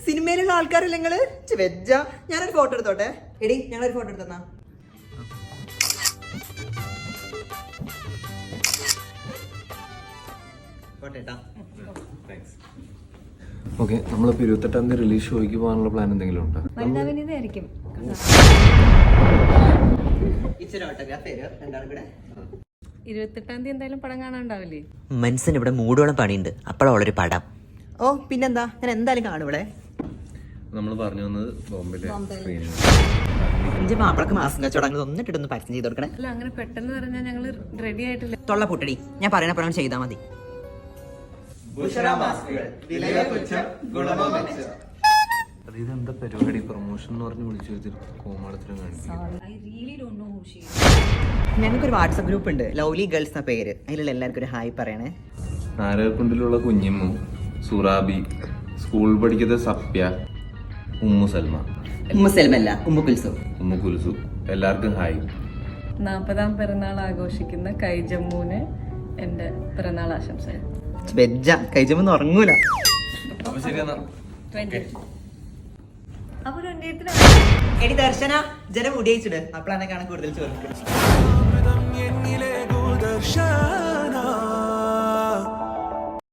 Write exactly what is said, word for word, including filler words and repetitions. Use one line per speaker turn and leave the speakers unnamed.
സിനിമയിലുള്ള ആൾക്കാരല്ല നിങ്ങള്? വെജ്ജ. ഞാനൊരു ഫോട്ടോ എടുത്തോട്ടെ. എടി ഞങ്ങളൊരു ഫോട്ടോ എടുത്തന്നാ.
ഓക്കെ, നമ്മളിപ്പോൾ ഇരുപത്തെട്ടാം തീയതി റിലീസ് ഷോയ്ക്ക് പോകാനുള്ള പ്ലാൻ എന്തെങ്കിലും ഉണ്ടോ?
ഇരുപത്തെട്ടാം തീയതി എന്തായാലും പടം കാണാണ്ടാവില്ലേ?
മനസ്സിന് ഇവിടെ മൂടോളം പണിയുണ്ട്. അപ്പോഴൊരു പടം. ഓ പിന്നെന്താ, ഞാൻ എന്തായാലും കാണും ഇവിടെ.
നമ്മൾ പറഞ്ഞു വന്നത് ബോംബെയിലെ
എന്റെ മാപ്പിളക്ക് മാസം കച്ചവടങ്ങൾ ഒന്നിട്ടൊന്ന് പരസ്യം ചെയ്ത് കൊടുക്കണേ.
അല്ല, അങ്ങനെ പെട്ടെന്ന് പറഞ്ഞാൽ ഞങ്ങള് റെഡി ആയിട്ടില്ല.
തൊള്ള പൊട്ടടി, ഞാൻ പറയണ പ്രകാരം ചെയ്താൽ മതി.
ഇതെന്താ പരിപാടി? പ്രൊമോഷൻ എന്ന് പറഞ്ഞ് വിളിച്ചു വെച്ചിട്ട് കോമാളത്തിലും കാണിക്കും.
ഞങ്ങൾക്കൊരു വാട്സപ്പ് ഗ്രൂപ്പ് ഉണ്ട്, ലവ്ലി ഗേൾസ് എന്ന പേര്. അതിലുള്ള എല്ലാവർക്കും ഒരു ഹായ് പറയണേ.
നാരകക്കുണ്ടിലുള്ള കുഞ്ഞിമ്മു, സുറാബി, സ്കൂൾ പഠിക്കുന്ന സപ്യ, ഉമ്മു സൽമ.
ഉമ്മു സൽമല്ല, ഉമ്മു കുൽസു.
ഉമ്മു കുൽസു, എല്ലാവർക്കും ഹായ്.
നാൽപ്പതാം പിറന്നാൾ ആഘോഷിക്കുന്ന കൈജമ്മൂന് എന്റെ പിറന്നാൾ ആശംസ.
വെജ്ജ, കൈജമ്മൊന്നും ഉറങ്ങൂല.
അപ്പൊ ശരി എന്നാ.
എടി ദർശന, ജന മുടിയിച്ചിട്. അപ്പോഴാണ് കാണാൻ കൂടുതൽ ചോദിക്കുന്നത്.